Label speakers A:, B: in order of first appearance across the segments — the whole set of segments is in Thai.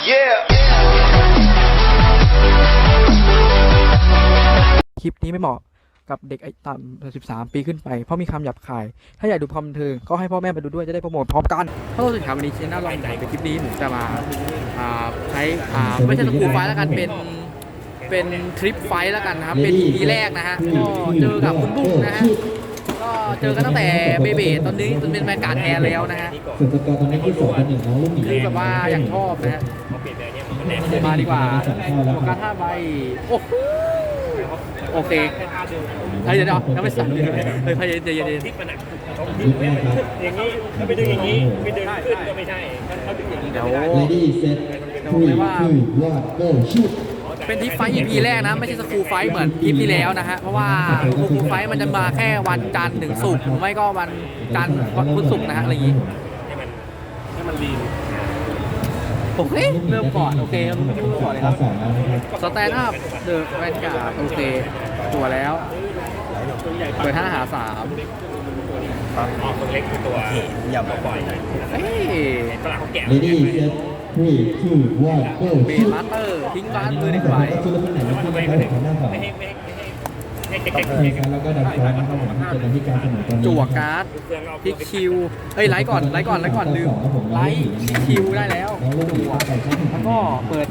A: คลิปนี้ไม่เหมาะกับเด็กอายุต่ำ13 ปีขึ้นไปเพราะมีคำหยาบคายถ้าอยากดูความบันเทิงก็ให้พ่อแม่มาดูด้วยจะได้โปรโมทพร้อมกันฮัลโหลสวัสดีครับวันนี้เชนน่าลองในคลิปนี้ผมจะมาใช้ไม่ใช่สกูไฟล์แล้วกันเป็นทริปไฟล์แล้วกันนะครับเป็น EP แรกนะฮะก็เจอกับคุณบุ้งนะฮะก็เจอกันตั้งแต่เบเบ้ตอนนี้จนเป็นแมนการ์ดแทนแล้วนะฮะ
B: ส่วนสกอร์ตอนนี้ที่2-1น้องลูกหมี
A: คือแบบว่าอย่างชอบนะฮะมาดีกว่าโฟกัส5 ใบโอ้โหโอเคเฮ้ยเดี๋ยวยังไม่สั่งเลยเฮ้ยเดี๋ยว
B: ยุคแรกครับ
C: อย่างนี้ถ้าไปดึงอย่างนี้ไปดึงขึ้นก็ไม่ใช่เขาดึงอย่างนี้
A: เดี๋ยว
B: Lady Set 3-2-1 Go Shoot
A: เป็นทิปไฟท์ EP แรกนะไม่ใช่สกูไฟท์เหมือน EP ที่แล้วนะฮะเพราะว่าสกูไฟท์มันจะมาแค่วันจันทร์ถึงศุกร์ไม่ก็วันจันทร์วันพุธศุกร์นะฮะอะไรอย่างงี้
C: ให้มันลีน
A: โอเคเริ่มก่อนโอเคเริ่มก่อนเลยครับ
B: 2แล้วนะครับ
A: สแตนด์อัพเดอะแวนการ์ดโอเคตัวแล้วเปิด5 หา 3
C: อ๋อตัวเล็กคือตัวอย่าปล่อย
A: เฮ้ย
C: ฝรั่งเขาแกะ
B: Lady Set 3-2-1 Go
A: เบ
B: Shoot
A: มาสเตอร์ทิ้งการ์ดมือหนึ่งใบ
B: ชุดละคนไหนที่นะครับผมทางด้านของ
C: ไม่ให้
B: ตั
C: เด็
B: ด
C: ก
B: เลยครับแล้วก็ดันฟอนนะครับผมที่เจอกันที่การเสนอตอนนี้
A: จั่วการ์ดพลิกคิวเอ้ยไลท์ก่อนลืมไลท์คิวได้แล้ว
B: น้องลูกหมี
A: จั่ว
B: ก็ใส่ชุด
A: แล้วก็เปิด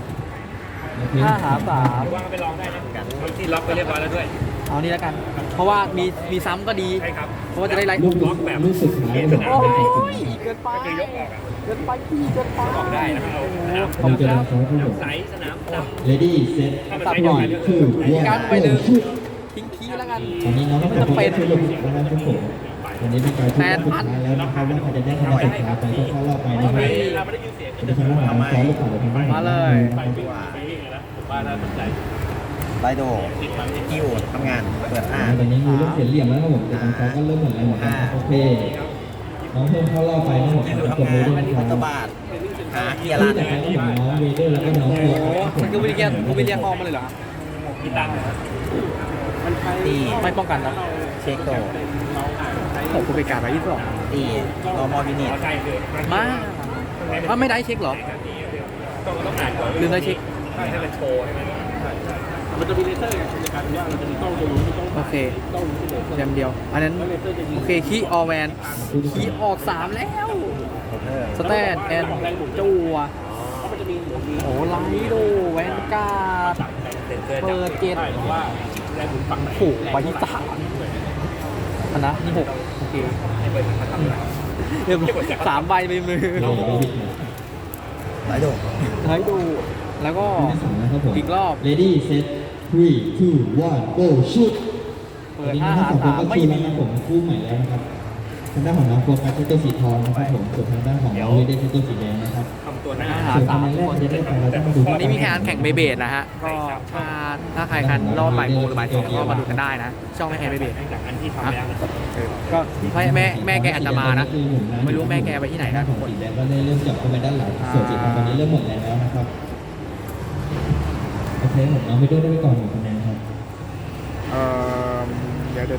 A: 5 หา 3
C: ว่างไปลองได้นะที่ล็อกไปเรียบร้อยแล้วด้วย
A: เอานี่แล้วกัน เพราะว่ามีซ้ำก็ดี
C: ใช่ครับ
A: เพราะว่าจะได้ไลท์
B: ลูกสุดท้ายเลย
A: โอ้ยเกินไป
C: ก็คือยกออกอ่ะ
A: เกินไปพี่เกินไป
C: ออกได้นะครับเอา
A: ขอบคุณครับ
C: น้ำใสสนามดำ
B: Lady Set 3-2-1 Shoot
A: ทิ้งคีย์แล้วกัน
B: ตอนนี้น้องต้องเป็นชุดลงแล้วนะครับผมวันนี้เป็นการชุดสุดท้ายแล้วนะครับว่าใครจะได้คะแนนสุดท้ายไปก็เข้ารอบไปนะครับ
C: เราไม่ได้ยินเสียง
B: จะทำให้น้องซ้อนลูกข่าวทำให้
A: มาเลย
C: ผมว่าน่าสนใจ
D: ไลโดกิวทำงาน เปิดอ่า
B: ตอนนี้มีลูกเสียเหลี่ยมแล้วครับผมแต่ทางซ้อนก็เริ่มหมดแรงหมดแล้วโอเคน้องเพิ่มเข้ารอบไปนะผม
D: กิว
B: จบ
D: ทำ
B: เล
D: งาย น
B: ด้วย
D: มั
B: นะ
D: น
B: ค
D: มี
B: รับ
D: พัตบาทหาเกียร์
B: ที่
D: ลัด
B: จากนั้นก็ผมน้องเวเดอร์แล้วก็น้อง
A: โอ้
B: ตัว
A: โหมันคือวิลเลียคอมาเลยเหรอ
C: มีตังค์
D: ตี
A: ไม่ป้องกันแล้ว
D: เช็คโต
A: ผมกูไปการไป22
D: ตีรอมอวินิต
C: ใช่คือ
A: มาไม่ได้เช็คเหรอ
C: ต้องอ่านก่อน
A: ลืมได้เช็ค
C: ให้มันโชว์ใช่ไหมมันจะมีเลเซอร์ในการว่าเราจะมีกล้องตัวนู้นกล้อง
A: โอเคแจมเดียว อันนั้นโอเคคีย์ออแวนคีย์ออก3แล้วสแตนแอนจั่วโอ้ไลท์ดูแวนการ์ด
C: เซ็นเซอร์
A: เปิดเจ็ด
C: ว่าแรงหมุนฝั่งไหน
A: โอ้ใบที่3อันนะนี่6โอเค
C: ให้เปิดมาทำอะไร
A: เรียบร้อย3 ใบไปมือ
D: ไลโด
A: ให้ดูแล้วก็
B: นะครับผม
A: อีกรอบ
B: Lady Set 3-2-1 Go Shoot
A: เปิ
B: วัน
A: ด
B: นี้
A: 5
B: น้อง
A: หา
B: สองคนก็
A: 3ไม่
B: คือ
A: มี
B: นะครับผมคู่ใหม่แล้วนะครับทางด้านของน้องโฟกัสใช้ตัวสีทองนะครับผมส่วนทางด้านของน้องเวเดอร์ใช้ตัวสีแดงนะครับ
C: ทำตัวหน้า
A: หา
B: ส่วน
A: สา
B: คะ
A: ม
B: แนนแรกจะได้ไปเราต้องมาดู
A: วันนี้มีการแข่งเบเบดนะฮะ ก็ถ้าใครคันรอบบ่ายโมงหรือบ่าย 2ก็มาดูกันได้นะ ช่องแม่แข่งเบเบด
C: จากอันที่ทำแล้ว
A: ก็แม่แกอาจจะมานะ ไม่รู้แม่แกไปที่ไหนนะ
B: ของสีแดงก็ได้เริ่มจับเข้าไปด้านหลังส่วนสีทองตอนนี้เริ่มหมดแรงแล้วนะครับโอเคผมน้องเวเดอร์ได้ไปก่อน1 คะแนนครับ
A: เดี๋ยว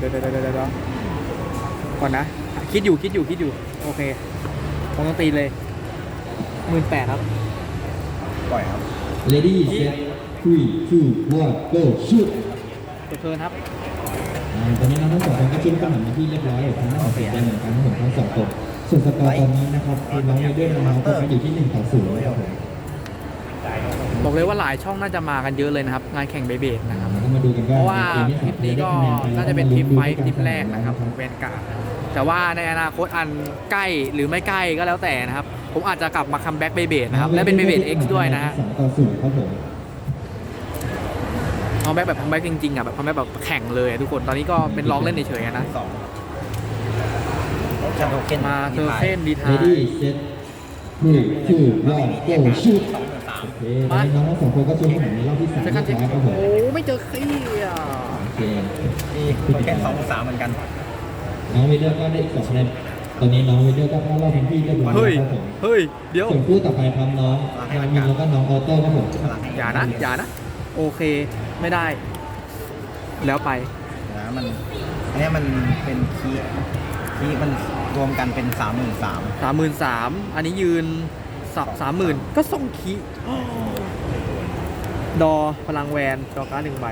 A: ก่อนนะ คิดอยู่โอเคผมต้องตีเลย18,000ครับ
D: ปล่อยครับ
B: Lady Set 3-2-1 Go Shoot
A: เปิดเทิร์นครับ
B: ตอนนี้น้องทั้งสองคนก็ชิ้นกันมาที่เรียบร้อยทางด้านของสีแดงเหมือนกันทั้งทั้งสองคนส่วนสกอร์ตอนนี้นะครับคือน้องเวเดอร์น้องโฟกัสอยู่ที่1-0นะครับผม
A: บอกเลยว่าหลายช่องน่าจะมากันเยอะเลยนะครับ งานแข่งเบเบดนะครับ
B: แล้วก็มาดูกัน
A: เพ
B: ว่า
A: ราะว่าคลิปนี้ก็น่าจะเป็นคลิปไฟท์คลิปแรกนะครับแวนการ์ดแต่ว่าในอนาคตอันใกล้หรือไม่ใกล้ก็แล้วแต่นะครับ ผมอาจจะกลับมาคัมแบ็กเบเบดนะครับ และเป็นเบเบด X ด้วยนะฮะ
B: 2-0ครับผม
A: คัมแบ็กแบบคัมแบ็กจริงๆอ่ะแบบคัมแบ็กแบบแข่งเลยทุกคนตอนนี้ก็เป็นร้องเล่นเฉยๆนะ
D: สองชันโทเค็น
A: มาเทอร์เซนดีทา
B: Lady Set 3-2-1 Go Shoot โอเคตอนนี้น้องทั้งสองคนก็ช่วยให้ผมในรอบที่3
A: เซคันด์เช็ค
B: ท้ายครับผม
A: โอ้ไม่เจอขี้อ่ะ
B: โอเค
D: ตีโทเค็น2-3เหมือนกัน
B: น้องเวเดอร์ก็ได้อีก2 คะแนนตอนนี้น้องเวเดอร์ก็เข้ารอบเป็นที่เรียบร้อย
A: เฮ้ย
B: แล้วครับผม
A: เฮ้ยเดี๋ยว
B: ส่วนคู่ต่อไปครับน้องนามินแล้วก็น้องออโต้ครับผม
A: อย่านะโอเคไม่ได้ แล้วไป
D: นะมันอันนี้มันเป็นคีย์มันรวมกันเป็น 33,000
A: 33,000อันนี้ยืน 30,000ก็ส่งคีดอพลังแวนจอการ์ด1 ใบ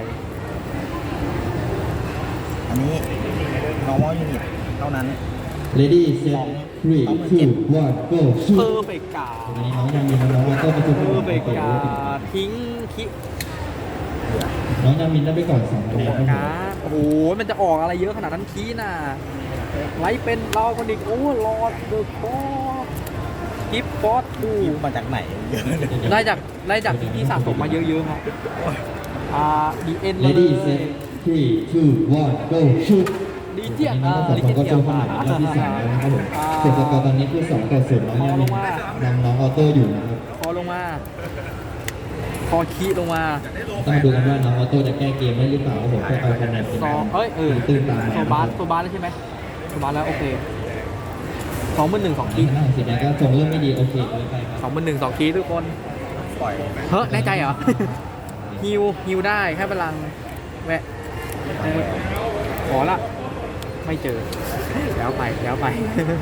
D: อันนี้ normal unit เท่านั้น
B: Ready set 3 2 1 go
A: เพ
B: shoot
A: อร์เฟกกา
B: วันนี้น้องยังมีน้องๆก็ประชุม
A: เพอร์เฟกกาทิ้งคี
B: น้องยังมีได้ไปก่อน2คะแนนครับผม
A: การ์ดโอ้โหมันจะออกอะไรเยอะขนาดนั้นคีน่ะไลท์เป็นรอคนอีกโอ้รอดเดอะคอร์กิฟฟอสดู
D: คิดมาจากไหนเยอะเลย
A: ได้จากที่สะสมมาเยอะๆครับดีเอ็นเล
B: Ready
A: ย
B: set 3 2 1 go shoot
A: ดีเจียน
B: น้องๆก็ชมเข้ามาในรอบที่3แล้วนะครับผมส่วนสกอร์ตอนนี้คือ2-0น้องยังมีน้องออโต้อยู่นะครับ
A: คอลงมาคอคีลงมา
B: ต้องดูกันว่าน้องออโต้จะแก้เกมได้หรือเปล่าครับผมเพื่อเอาคะแนนเป็น
A: สอง
B: ตื่นตาม
A: โซบาสแล้วใช่ไหมโซบาสแล้วโอเค21,000 2
B: ที
A: คี
B: หน้าสีแดงก็ทรงเริ่มไม่ดีโอเคเลยไปครับ
A: 21,000 2 คีทุกคน
D: ปล่อย
A: เฮ้ยแน่ใจเหรอ ฮิวได้แค่พลังแวะขอละไม่เจอ แล้วไป แล้วไป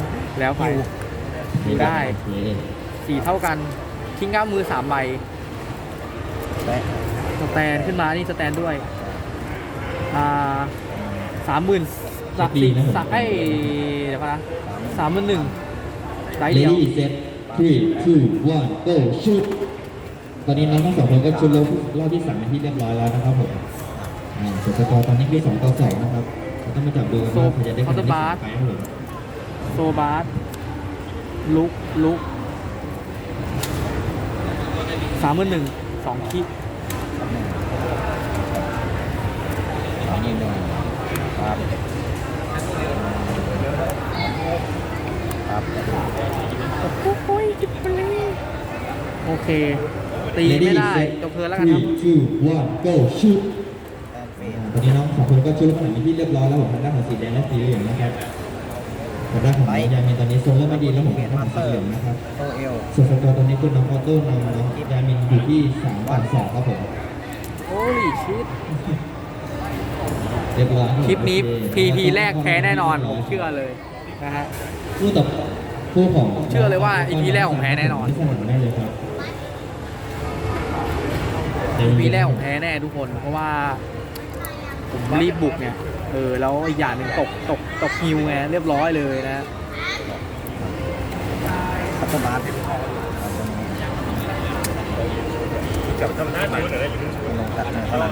A: ฮิวได้ 4 เท่ากันทิ้งก้ามมือ3 ใบ
D: และ
A: สแตนขึ้นมานี่สแตนด้วย30,000เดี๋ยวก่อนนะ31,000ได้
B: เล
A: เดียว
B: ดี้เซต3 2 1 go shoot ตอนนี้น้องทั้งสองคนก็ชุดรอบที่3เป็นที่เรียบร้อยแล้วนะครับผมส่วนสกอร์ตอนนี้คือ2-2นะครับเราต้องมาจับดูกันว่าใครจะได้คะแนนที่2ไปครับผม
A: โซบาสลุก31,000 2 คิ
D: อันนี้ด้วยครับครับ
A: โอเค ตีไม่ได้จบเพลินแล้วกันครับ
B: 3 2 1 go shoot ตอนนี้น้องสองคนก็ชุดขนาดนี้ที่เรียบร้อยแล้วผมทางด้านของสีแดงและสีเหลืองนะครับทางด้านของน้องยามินตอนนี้ทรงเริ่มไม่ดีแล้วผมทางด้านของสีเหลืองนะครับ
D: โอเอล
B: ส่วนสกอร์ตอนนี้คือน้องออโต้นำน้องยามินอยู่ที่3-2ครับผม
A: โอ้ยชิด
B: เรียบร้อย
A: คลิปนี้ PP แรกแพ้แน่นอน ผมเชื่อเลยนะฮะ
B: คู่ต่อคู่ของ
A: เชื่อเลยว่า EP แรกผมแพ้แน่นอน
B: ที่สนามได้เลยครับ
A: EP แรกผมแพ้แน่ทุกคน เพราะว่าผมรีบบุกเนี่ยแล้วอีกอย่างหนึ่งตกฮิวไงเรียบร้อยเลยนะ
D: พัฒนากับธรรมชาติลงตัดเท่านั้น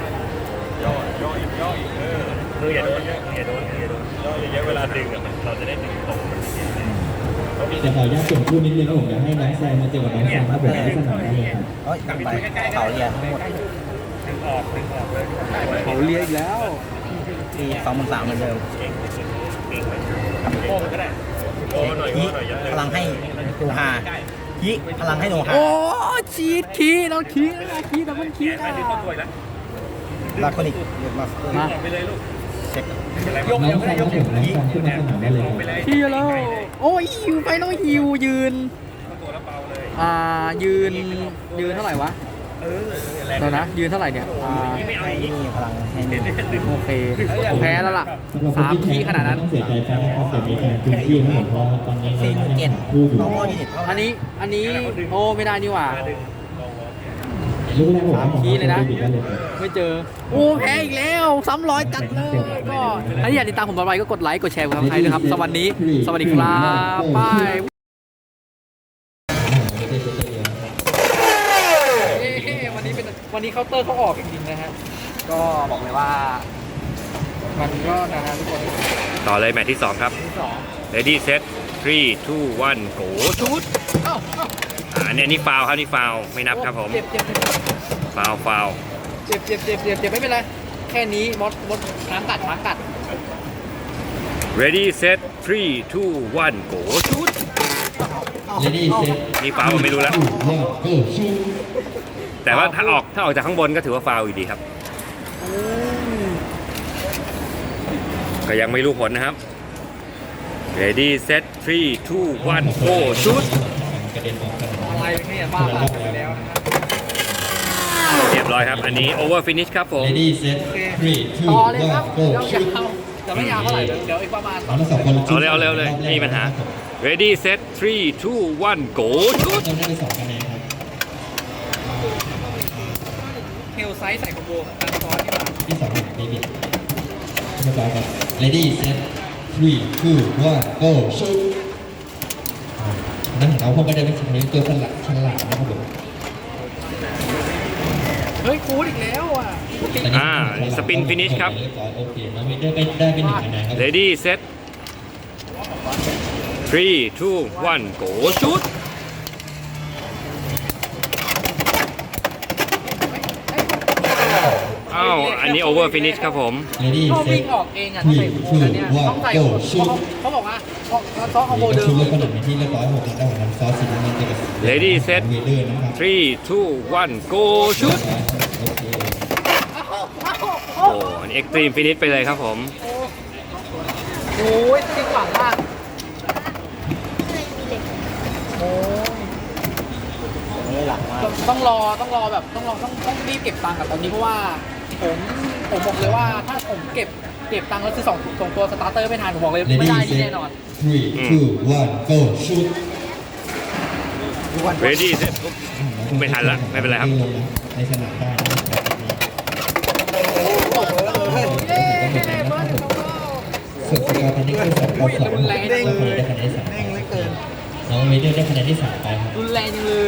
C: มืออย่าโดนอย่าโดนเยอะเวลาดึงเราจะได้ดึงตรง
B: จะขออนุญาตเปลี่ยนคู่นิดนึงครับผมอยากให้น้องแซมมาเจอกับน้องแซมครับผมที่สนามได้เลยครับ
D: เฮ้ยไปเขาเรียนทั้งหมด
C: ดึงออกเลย
A: เขาเลียอีกแล้ว
D: ตี23,000เหมือนเดิม
C: โป้งก็ได้โอ้หน่อย
D: ยิพลังให้โนฮายิพลังให้โนฮา
A: โอ้ชีดคีน้องคีนะคีดับเบิลคีนะ
D: ลาคอนิกเรียกมา
A: มา
C: ไปเลยลูก
D: เช็ค
B: น้องแซมครับผมน้องแซมขึ้นมาสนามได้เลยครับ
A: คีแล้วโอ้ยฮิวไปน้องฮิวยืน
C: ตัวแล้วเบาเลย
A: ยืนเท่าไหร่วะเดี๋ยวนะยืนเท่าไหร่เนี่ย
D: ให้นี่พลังให้นี่
A: โอเคผมแพ้แล้วล่ะ
B: สำหรับคนที่
A: 3 คีขนาดนั้น
B: ต้องเสียใจแฟนนะครับแต่มีการคืนที่ให้ผมเพราะตอนนี้น้องยังคู่อยู่
D: น้องมอยูนิตเท่า
A: อันนี้โอ้ไม่ได้นี่หว่า
B: ลูกแรกผม
A: 3 คีเลยนะ
B: ได้เลยครับ
A: ไม่เจอโอ้แพ้อีกแล้วซ้ำร้อยจัดเลยก็ถ้าอยากติดตามผมต่อไปก็กดไลค์กดแชร์กดซับสไครต์นะครับสวัสดีครับบายวันนี้เคาน์เตอร์เขาออกจริงๆนะฮะก็บอกเลยว่ามันก็นะฮะทุกคน
C: ต่อเลยแมตช์ที่ 2 ครับ
A: ที่
C: Ready set 3 2 1 go
A: ชุดเอ้า
C: อันนี้ฟาวครับนี่ฟาวไม่นับครับผม
A: เจ็บ
C: ฟาว
A: เจ็บไม่เป็นไรแค่นี้มดช้างกัด
C: Ready set 3 2 1 go ชุด
B: Ready set
C: นี่ฟาวผมไม่รู้แล้ว
B: 2 1 go shoot
C: แต่ว่าถ้าออกจากข้างบนก็ถือว่าฟาวอยู่ดีครับ ก็ยังไม่รู้ผลนะครับ Ready set 3 2 1 go ชุด
B: กระเด็นออกกัน
A: อะไรเนี่ยบ้าไปแล้วนะครับ
C: เรียบร้อยครับ อันนี้ over finish ครับผม
B: Ready set 3
A: ต่อเลยครับ
B: 2 1 go
A: ยาว
B: shoot
A: ๆแต่ไม่ยาวเท่าไหร่เดี๋ยวอีกประมาณ
B: น้องทั้งสองคน
C: เอาเร็วเลยไม่มีปัญหา ready set 3 2 1 go ชุด
B: เริ่มได้ไป2คะแนนครับ
A: เฮลไซส์ใส่คอมโบการซ้อนดีกว่า
B: ที่2ของเบบี้เรียบร้อยครับ ready set 3 2 1 go shoot นั่นของเราพวกก็ได้เป็นตัวฉลาดนะครับผม
A: เฮ้ยกูดอีกแล้วอ่ะ
C: สปิน finish ครับ
B: เรียบร้อยโอเคน้องวินเดอร์ได้เป็น1คะแนนครับ
C: ready set 3 2 1 go ชุด อ้าว อันนี้ over finish ครับผม
B: ready
A: ก็วิ่
B: set
A: งออกเองอ่ะ
B: 3
A: ใส่คอมโบนั้นเนี่ย
B: 2
A: ต้องใส่
B: 1 go shoot
A: เขาบอกว่าซ้อนคอมโบ
B: นี่
A: เดิ
B: ก็
A: ม
B: ชุดเลือกขนมเป็นที่เรียบร้อยผมได้ของน้ำซอสสีน้ำเงินจะเป็น
C: Ready set
B: เวเดอร์นะครับ
C: 3 2 1 go ชุด
B: โอเค
C: โอ้อันนี้ extreme finish ไปเลยครับผม
A: โอ้ยจริงหวังมากโอ้ย
D: หลักมาก
A: ต้องรอแบบต้องรีบเก็บตังค์กับตอนนี้เพราะว่าผมบอกเลยว่าถ้าผมเก็บตังค์แล้วซื้อสองตัวสตาร์เตอร์ไม่ทันผมบอกเลยไม่ได้นี่แน่นอน
B: 3 2 1 go shoot
C: ready set ไม่ทันละไม่เป็นไรครับ
B: ในสนามได้นะครับส่วนสกอร์ตอนนี้คือ2 ต่อ 2
A: รุนแรงจังเลย
B: ได้คะแนนที่3
D: เร่งเหลือเกิน
B: น้องเวเดอร์ได้คะแนนที่3ไปครับ
A: รุนแรงจังเลย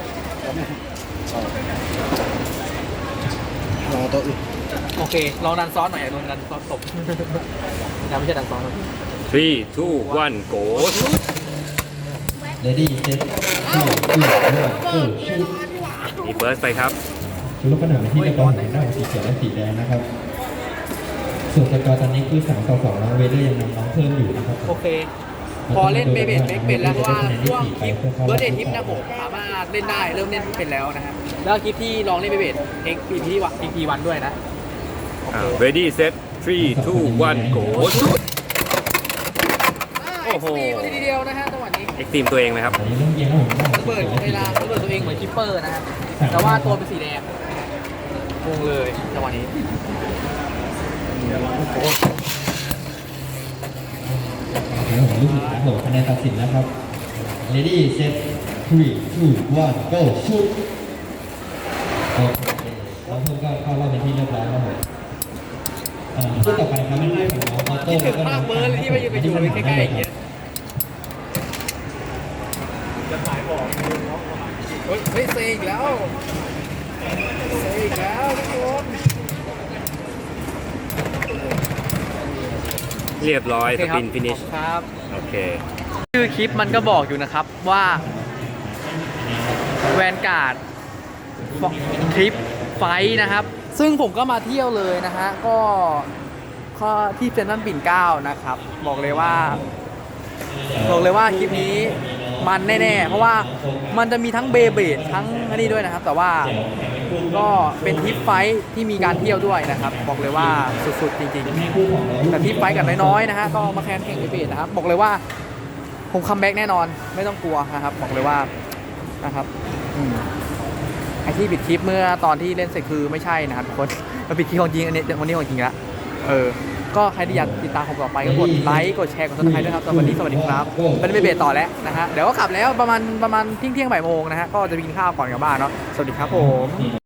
D: รอตัวอื่น
A: โอเคลองดันซ้อนหน่อยโดนดันซ้อนตบยังไม่ใช่ดันซ้อนหรอก
C: 3 2 1 go ชุด
B: ready set 3 2 1 go shoot
C: มีเบิร์สไปครับ
B: ชุดลูกขนมเป็นที่เรียบร้อยของหน้าสีเขียวและสีแดงนะครับ ส่วนสกอร์ตอนนี้คือ3 ต่อ 2น้องเวเดอร์ยังนำน้องเพิ่มอยู่นะครับ
A: โอเค พอเล่นเบเบดเบกเป็นแล้วเพราะว่าช่วงคลิปเบิร์ดเดย์ทิปนะผมสามารถเล่นได้เริ่มเล่นเป็นแล้วนะครับแล้วคลิปที่ลองเล่นเบเบดเอ็กพีที่วันด้วยนะ
C: ready set 3 2 1 go ชุด โอ้โห
A: มาทีเดียวนะฮะจังหวะนี้
C: extreme ตัวเองไหมครับ
B: ตอนนี้เริ่มเกมแล้วผม
A: ระเบิดเวลาระเบิดตัวเองเหมือนคิปเปอร์นะครับแต่ว่าตัวเป็นสีแดงงงเลยจังหวะนี้
B: ผมลูกสุดท้ายโหคะแนนตัดสินนะครับ ready set 3 2 1 go shoot โอเคแล้วเพิ่มก็เข้ารอบเป็นที่เรียบร้อยแล้วผมคู่ต่อไปครับเป็นหน้าของน้องออโต้
A: คิดถึงภาคเบิร์ดเลยที่มายืนไปอยู่ใกล้ๆอย่างเงี้ยจะถ่ายบอกเฮ้ยเซอีกแล้วเซอีกแล้วทุกคน
C: เรียบร้อย
A: โอ
C: ส
A: เคครับ
C: ปิน finish
A: ครับ
C: โอเค
A: ชื่อคลิปมันก็บอกอยู่นะครับว่าแวนการ์ดทริปไฟท์นะครับ ซึ่งผมก็มาเที่ยวเลยนะฮะก็ที่เซ็นทรัลปิ่นเกล้านะครับ บอกเลยว่าคลิปนี้มันแน่ๆ เพราะว่ามันจะมีทั้งเบเบดทั้งอันนี้ด้วยนะครับ แต่ว่าก็เป็นทริปไฟท์ที่มีการเที่ยวด้วยนะครับ บอกเลยว่าสุดๆจริงๆแต่ทริปไฟท์กับน้อยๆนะฮะก็มาแข่งเบเบดนะครับบอกเลยว่าผมคัมแบ็กแน่นอนไม่ต้องกลัวนะครับบอกเลยว่านะครับไอที่ปิดคลิปเมื่อตอนที่เล่นเสร็จคือไม่ใช่นะครับทุกคนมันปิดคลิปของจริงอันนี้คนนี้ของจริงละก็ใครที่อยากติดตามผมต่อไปก็กดไลค์กดแชร์กดซับสไครต์ด้วยครับสวัสดีครับไม่ได้ไปเบรต่อแล้วนะฮะเดี๋ยวก็กลับแล้วประมาณเที่ยงบ่ายโมงนะฮะก็จะไปกินข้าวก่อนกลับบ้านเนาะสวัสดีครับผม